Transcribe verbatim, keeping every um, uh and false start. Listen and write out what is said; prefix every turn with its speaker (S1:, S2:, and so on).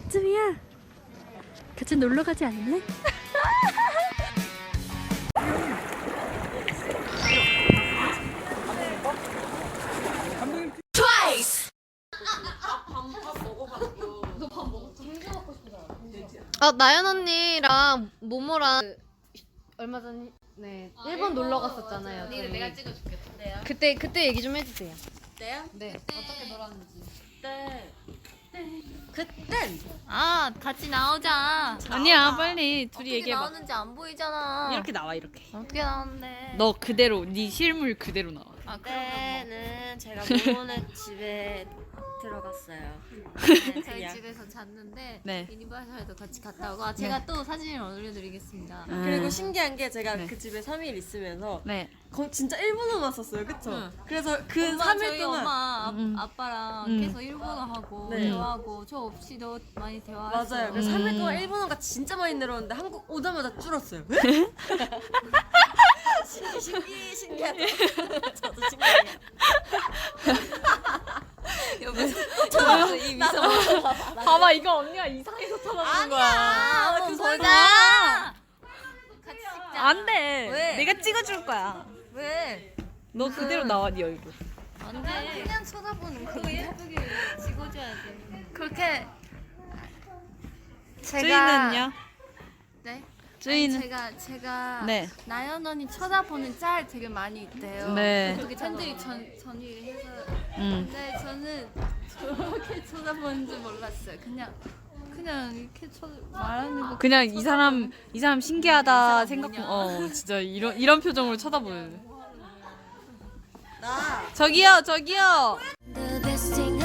S1: 언제쯤이야? 같이 놀러 가지 않을래?
S2: 아 나연 언니랑 모모랑 그, 얼마 전에 네 아, 일본 놀러 갔었잖아요.
S3: 언니를
S2: 저희.
S3: 내가 찍어줄게. 네요?
S2: 그때 그때 얘기 좀 해주세요.
S3: 네요?
S2: 네 어떻게 놀았는지.
S3: 그때 그땐
S1: 아 같이 나오자.
S4: 아니야 빨리 둘이
S3: 어떻게
S4: 얘기해봐.
S3: 나오는지 안 보이잖아.
S4: 이렇게 나와 이렇게.
S3: 어떻게 나오는데?
S4: 너 그대로 네 실물 그대로 나와.
S3: 아, 그때는 제가 모모네 집에 들어갔어요. 네,
S1: 저희
S3: 그냥.
S1: 집에서 잤는데
S4: 네.
S1: 유니버셜도 같이 갔다 오고 아, 제가 또 사진을 올려드리겠습니다.
S4: 음.
S5: 그리고 신기한 게 제가
S4: 네.
S5: 그 집에 삼 일 있으면서
S4: 네.
S5: 거, 진짜 일본어만 썼어요, 그쵸?
S1: 응.
S5: 그래서 그
S1: 엄마,
S5: 삼 일
S1: 저희
S5: 동안
S1: 엄마 아,
S4: 음.
S1: 아빠랑
S4: 음.
S1: 계속 일본어 하고
S5: 네.
S1: 대화하고 저 없이도 많이 대화했어요.
S5: 맞아요. 그래서 삼 일
S4: 음.
S5: 동안 일본어가 진짜 많이 늘었는데 한국 오자마자 줄었어요. 신기 신기 신기하죠. 저도 신기해요.
S1: 저이 미소.
S4: 봐봐 이거 언니가 이상해서 쳐다보는 거야.
S1: 한번
S5: 그
S1: 보자. 같이 찍자.
S4: 안 돼.
S1: 왜?
S4: 내가 찍어줄 거야.
S1: 왜?
S4: 너 그대로 나와 네 얼굴.
S1: 안 돼. 그냥 쳐다보는 거 예쁘게 찍어줘야 돼. 그렇게 제가
S4: 주인은요?
S1: 네.
S4: 주인은?
S1: 아니, 제가 제가
S4: 네.
S1: 나연 언니 쳐다보는 짤 되게 많이 있대요.
S4: 네.
S1: 어떻게 팬들이 전 전의를 해서.
S4: 응.
S1: 근데 저는 저렇게 쳐다보는 줄 몰랐어요. 그냥 그냥 이렇게 쳐 말하는 거.
S4: 그냥 이 사람 이 사람 신기하다
S1: 이 사람
S4: 생각.
S1: 뭐냐.
S4: 어 진짜 이런 이런 표정으로 쳐다보는.
S5: 나
S4: 저기요 저기요.
S6: The best thing